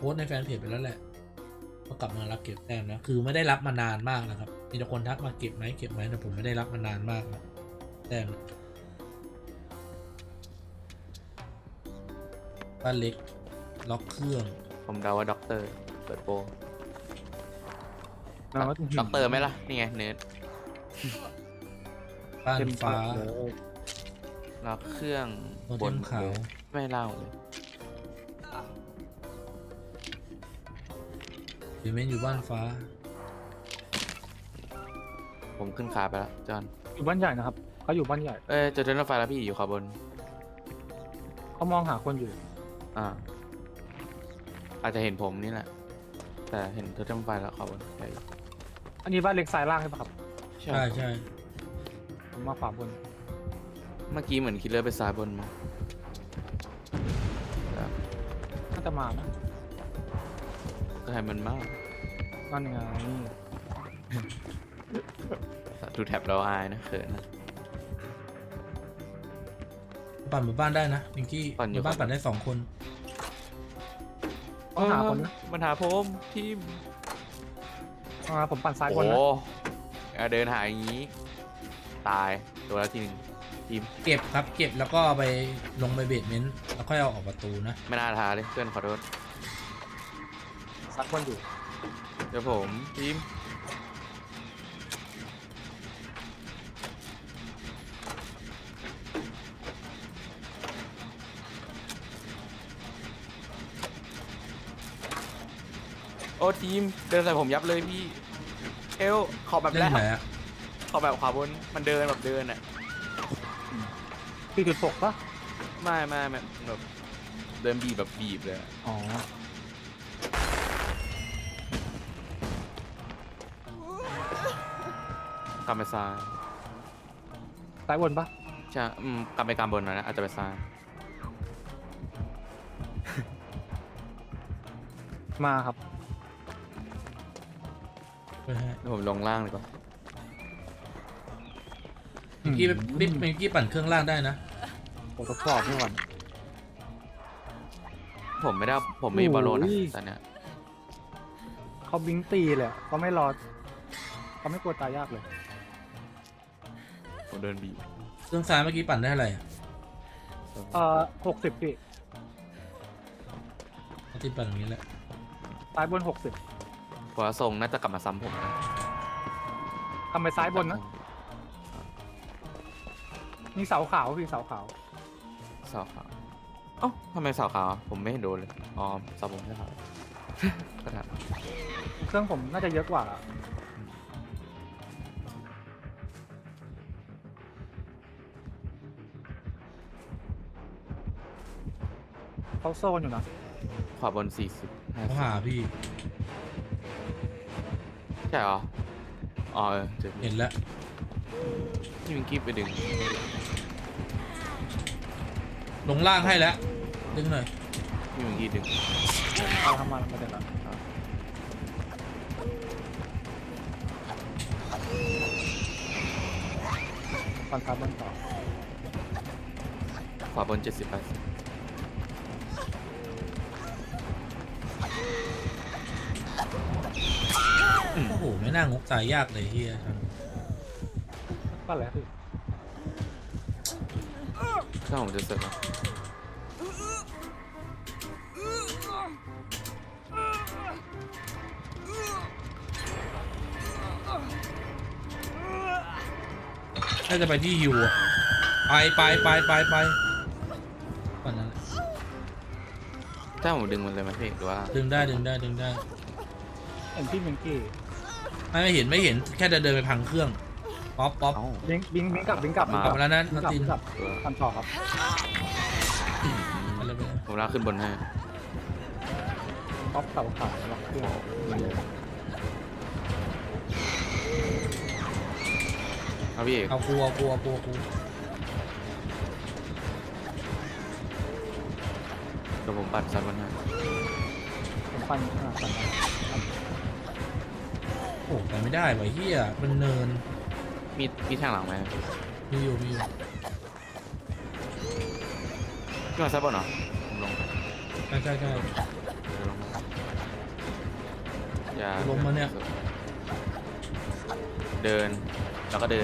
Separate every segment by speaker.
Speaker 1: สต์ในแฟนเพจไปแล้วแหละก็กลับมารับเก็บแต้มนะคือไม่ได้รับมานานมากนะครับมีแต่คนทักมาเก็บไหมแต่ผมไม่ได้รับมานานมากนะแต้มบ้านเล็กล็อกเครื่อง
Speaker 2: ผมเดาว่าด็อกเตอร์เปิดโปร
Speaker 3: เราก็
Speaker 2: ด็อกเตอร์ไหมล่ะนี่ไงเนิร์ด
Speaker 1: บ้านฟ้า
Speaker 2: ล็อกเครื่อง
Speaker 1: โมเดมขาว
Speaker 2: ไม่เล่าเลย
Speaker 1: หรือเมนอยู่บ้านฟ้า
Speaker 2: ผมขึ้นขาไปแล้วจอน
Speaker 3: อยู่บ้านใหญ่นะครับเขาอยู่บ้านใหญ่
Speaker 2: เจอเดินรถไฟแล้วพี่อยู่ขวาบน
Speaker 3: เขามองหาคนอยู่
Speaker 2: อาจจะเห็นผมนี่แหละแต่เห็นเดินรถไฟแล้วขวาบนใช่
Speaker 3: อันนี้บ้านเล็กซ้ายล่างใช่ปะครับ
Speaker 1: ใช่
Speaker 3: ผมมาขวาบน
Speaker 2: เมื่อกี้เหมือนคิลเลอร์ไปซ้ายบนมา
Speaker 3: น่าจะมานะ
Speaker 2: ก็ให้มันมาก
Speaker 3: นั่นไง
Speaker 2: ดูแท็บเราอายนะเขินนะ
Speaker 1: ปั่นหมู่บ้านได้นะพิงกี้
Speaker 2: ปั่นอยู่
Speaker 1: หมู่บ้านปั่นได้2 คน
Speaker 3: ต้องหาคนนะ
Speaker 2: มันหาผมทีม
Speaker 3: ผมปั่นซ้ายบ
Speaker 2: โอ้
Speaker 3: นนะ
Speaker 2: เดินหาอย่างนี้ ตายตัวละทีหนึ่งทีม
Speaker 1: เก็บครับเก็บแล้วก็ไปลงไปเบสเมนต์แล้วค่อยเอาออกประตูนะ
Speaker 2: ไม่น่าทาเลยเพื่อนขอโทษ
Speaker 3: ซัดบนอยู่
Speaker 2: เดี๋ยวผมทีมโอ้ทีมเดินใส่ผมยับเลยพี่เอลขอแบบ
Speaker 1: เล่
Speaker 2: แร
Speaker 1: น
Speaker 2: ก
Speaker 1: ไหนอะ
Speaker 2: ขอแบบขวาบนมันเดินแบบเดินอ่ะ
Speaker 3: 4.6ปะ
Speaker 2: ไม่แบบเดินบีบแบบบีบเลยอะ
Speaker 3: อ๋อ
Speaker 2: กลับไปซ้าย
Speaker 3: ซ้ายบนปะ
Speaker 2: ใช่กลับไปกลางบนหน่อยนะอาจจะไปซ้าย
Speaker 3: มาครับ
Speaker 1: ไปให้
Speaker 2: เดี๋ยวผมลงล่างเลยก่อน
Speaker 1: พิงกี้พิงกี้ปั่นเครื่องล่างได้นะ
Speaker 3: ผมทดสอบนี่ก่อน
Speaker 2: ผมไม่มีบอลโลนะ
Speaker 3: โอ้ย
Speaker 2: ตอนเนี้ย
Speaker 3: เขาบิงตีเลยอะเขาไม่รอเขาไม่กลัวตายยากเลย
Speaker 2: ผมเดินบีบ
Speaker 1: เครื่องซ้ายเมื่อกี้ปั่นได้เท่าไหร่อะ
Speaker 3: 60พี่
Speaker 1: เอาที่ปั่นอย่างนี้แหละ
Speaker 3: ซ้ายบน 60
Speaker 2: เพราะว่าทรงน่าจะกลับมาซ้ำผมนะ
Speaker 3: ทำไปซ้ายบนนะมีเสาขาวพี่เสาขาว
Speaker 2: เสาขาวเอ้าทำไมเสาขาวผมไม่เห็นโดนเลยอ๋อเสาผมไม่ขาว ก็ถาม
Speaker 3: เครื่องผมน่าจะเยอะกว่าเขาโซนอยู่นะ
Speaker 2: ขวาบน40
Speaker 1: เขาหาพี่
Speaker 2: ใช่เหรออ๋อเจอ
Speaker 1: เห็นแล้ว
Speaker 2: พี่มิงกี้ไปดึง
Speaker 1: ลงล่างให้แล้วดึงหน่อย
Speaker 2: พี่มิงกี้ดึง
Speaker 3: เอาทำมันมาเดี๋ยวละฟันซ้ายบนต่อ
Speaker 2: ขวาบน70-80
Speaker 1: โอ้โหไม่น่างกตายยากเลยเฮีย
Speaker 3: ก็แล้วพี่
Speaker 2: ถ้าผมจะเสร็จแล้ว
Speaker 1: น่าจะไปที่ฮิวอะไปปั่นนั้น
Speaker 2: ถ้าผมดึงมันเลยไหมพี่หรือว่า
Speaker 1: ดึงได้
Speaker 3: เห็นพี่เมงกี้
Speaker 1: ไม่เห็นแค่เดินไปพังเครื่องป๊อป
Speaker 2: เอ้า
Speaker 3: บิงกลับ
Speaker 1: กลับมาแล้วนะ
Speaker 3: บิง
Speaker 1: นั
Speaker 3: กลับ
Speaker 1: ติน
Speaker 3: บิงกลับทำต่อครับ
Speaker 1: ไปเลย
Speaker 2: ผมลากขึ้นบนให้
Speaker 3: ป๊อปเสาขาวล็อกเครื่อง
Speaker 2: เอาพี่เอก
Speaker 1: เอากู
Speaker 2: เดี๋ยวผมปัดซ้ายบนให้
Speaker 3: ผมปั้นขนาดนั้น
Speaker 1: โอ้ไปไม่ได้ว่ะเฮียมันเนิน
Speaker 2: มีแทงหลังไหม
Speaker 1: มีอยู่
Speaker 2: ขึ้นมาซ้ายบนเหรอผมลง
Speaker 1: ใช่
Speaker 2: เดี๋ยวลงมาอย่า
Speaker 1: ล้มมาเนี่ย
Speaker 2: เดินแล้วก็เดิน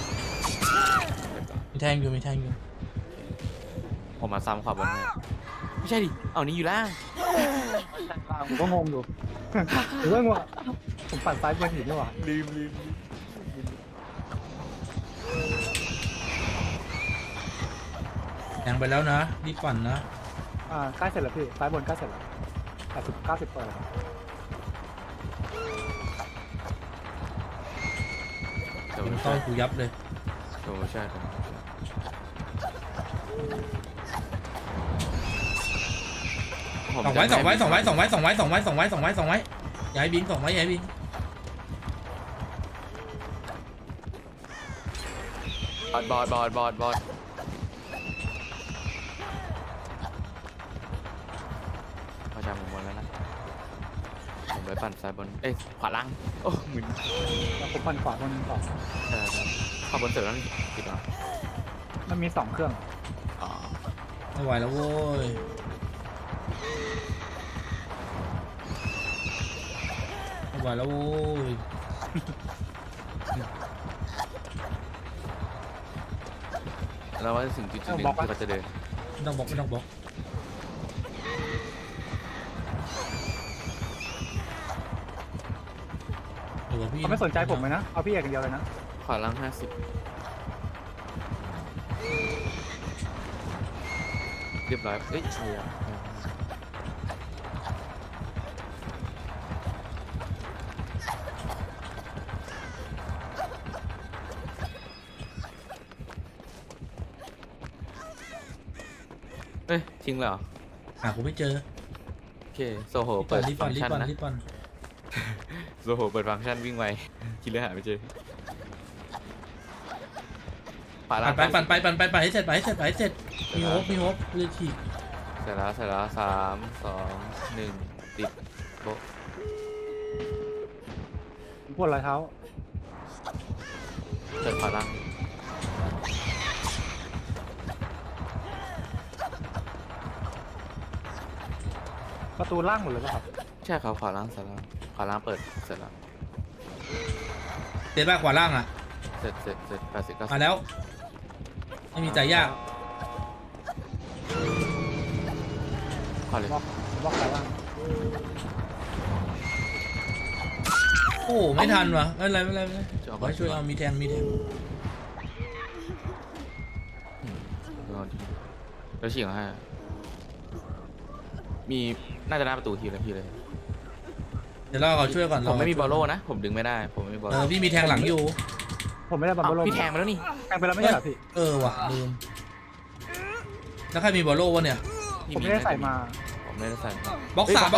Speaker 1: มีแทงอยู่มีแทงอยู่
Speaker 2: ผมมาซ้ำขวาบนให้ไม่ใช่ดิเอานี้อยู่ล่าง
Speaker 3: ผมก็งงอยู่ ผมก็งงผมปั่นซ้ายบนหินด้วยว่ะ
Speaker 2: ลืม
Speaker 1: แทงไปแล้วนะรีบปั่นนะ
Speaker 3: ใกล้เสร็จแล้วพี่ซ้ายบนใกล้เสร็จแล้ว80-90เปอร์แล้ว
Speaker 2: เดี๋ยว
Speaker 1: ยิง
Speaker 2: ใช่
Speaker 1: ต้อยกูยับเลย
Speaker 2: เดี๋ยวใช่ผม
Speaker 1: ส่องไว้ส่องไว้ส่องไว้ส่องไว้ส่องไว้ส่องไว้ส่องไว้ส่องไว้ส่องไว้อย่าให้บินส่องไว้อย่าให้บิน
Speaker 2: บอดพอจำผมหมดแล้วนะผมไปปั่นซ้ายบนเอ้ยขวาล่างโอ้หมึน
Speaker 3: แล้วผมปั่นขวาคนนึงต่อ
Speaker 2: ใช่ขวาบนเสร็จแล้วนี่ผิดเหรอ
Speaker 3: มันมี2เครื่อง
Speaker 2: อ๋อ
Speaker 1: ไม่ไหวแล้วโว้ยไม่ไหวแล้วโว้ย
Speaker 2: แล้วว่าถึงจุดหนึ่งที่เขาจะเดิน
Speaker 1: ไม่ต้องบล็อกไม่ต้องบล็อกเดี๋ยวพี่
Speaker 3: เขาไม่สนใจผมเลยนะเอาพี่เอกอย่างเดียวเลยนะ
Speaker 2: ขวาล่าง50เรียบร้อยเอ้ยใช่อะเอ้ยทิ้งเลยเหรอ
Speaker 1: หากูไม่เจอ
Speaker 2: โอเคโซโห
Speaker 1: รีบ
Speaker 2: เปิ
Speaker 1: ปั่
Speaker 2: ด
Speaker 1: นรีบ
Speaker 2: ฟั
Speaker 1: ปั่
Speaker 2: ง
Speaker 1: น
Speaker 2: ก์
Speaker 1: รีบ
Speaker 2: ชัน
Speaker 1: ปั่น
Speaker 2: นะ
Speaker 1: รีบปั่น
Speaker 2: โซโหเปิดฟังก์ชันวิ่งไวคิดเลยหาไม่เจอขวาล่าง
Speaker 1: ปั่นไปให้เสร็จไปให้เสร็จไปให้เสร็จมีโฮปเลยที
Speaker 2: เสร็จแล้ว3 2 1ติดโบะ
Speaker 3: ผมปวดรอยเท้า
Speaker 2: เปิดขวาล่าง
Speaker 3: ประตูล่างหมดเลยป่ะครับ
Speaker 2: ใช่ครับขวาล่างเสร็จแล้วขวาล่างเปิดเสร็จแล้ว
Speaker 1: เดี๋ยวบ้าขวาล่างอ่ะ
Speaker 2: เสร็จ80 90
Speaker 1: มาแล้ว ไม่มีใจยาก
Speaker 2: ขวาเลย
Speaker 3: บล็อกซ้ายล่าง
Speaker 1: โอ้ไม่ทันวะไม่เป็นไรขอให้ช่วยเอามีแทง
Speaker 2: แล้วฉีกให้มีน่าจะหน้าประตูทีเลยพี่เลย
Speaker 1: เดี๋ยวเราช่วยก่อน
Speaker 2: ผมไม่มีบอลโล่นะผมดึงไม่ได้ผมไม่มีบอลโล่
Speaker 1: พี่มีแทงหลังอยู่
Speaker 3: ผมไม่ได้บัมเบิลโล
Speaker 2: พี่แทงไปแล้วนี่
Speaker 3: แทงไปแล้วไม่ใช่เหรอพี่
Speaker 1: ว่ะลืมแล้วใครมีบอลโล่วะเนี่ย
Speaker 3: ผมไม่ได้ใส่มา
Speaker 2: ผมไม่ได้ใส่มา
Speaker 1: บล็อกสาม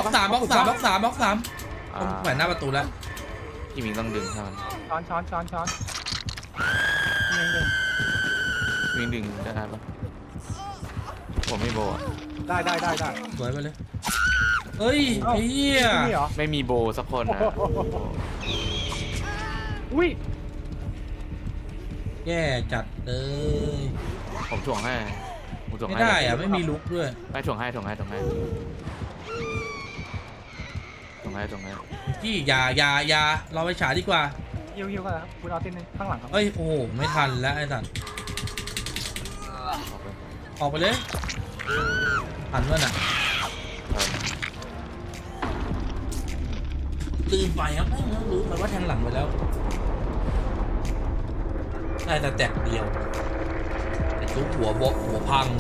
Speaker 1: ต้องแขวนหน้าประตูแล้ว
Speaker 2: พี่มิงต้องดึงเท่านั้น
Speaker 3: ช้อนยังดึง
Speaker 2: มิงดึงได้ปะผมไม่โบอะ
Speaker 3: ได้
Speaker 1: สวยไปเลยเฮ้ยไอ้เหี้ย
Speaker 3: นี่เหรอ
Speaker 2: ไม่มีโบสักคนนะ
Speaker 3: อุ้ย
Speaker 1: แย่จัดเลย
Speaker 2: ผมถ่วงให้ผมถ่วง
Speaker 1: ไม่
Speaker 2: ให้
Speaker 1: ได้อ่ะไม่มีลุกด้วย
Speaker 2: ไม่ถ่วงให้
Speaker 1: จี้อย่าเราไปฉายดีกว่า
Speaker 3: ฮิวกันครับคุณเอาตินข้างหลังครับ
Speaker 1: เอ้ยโอ้โหไม่ทันแล้วไอ้สัตว์ออกไปเลยทันวะน่ะลืมไปครับรู้ไปว่าแทงหลังไปแล้วได้แต่แตกเดียวแต่ทุกหัวพังเลย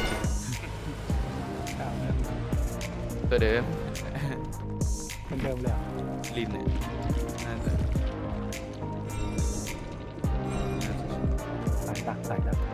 Speaker 2: ตัวเดิม
Speaker 3: เป็นเดิมเลย
Speaker 2: ลินเนี่ยน่าจะ
Speaker 3: ใส่ดัก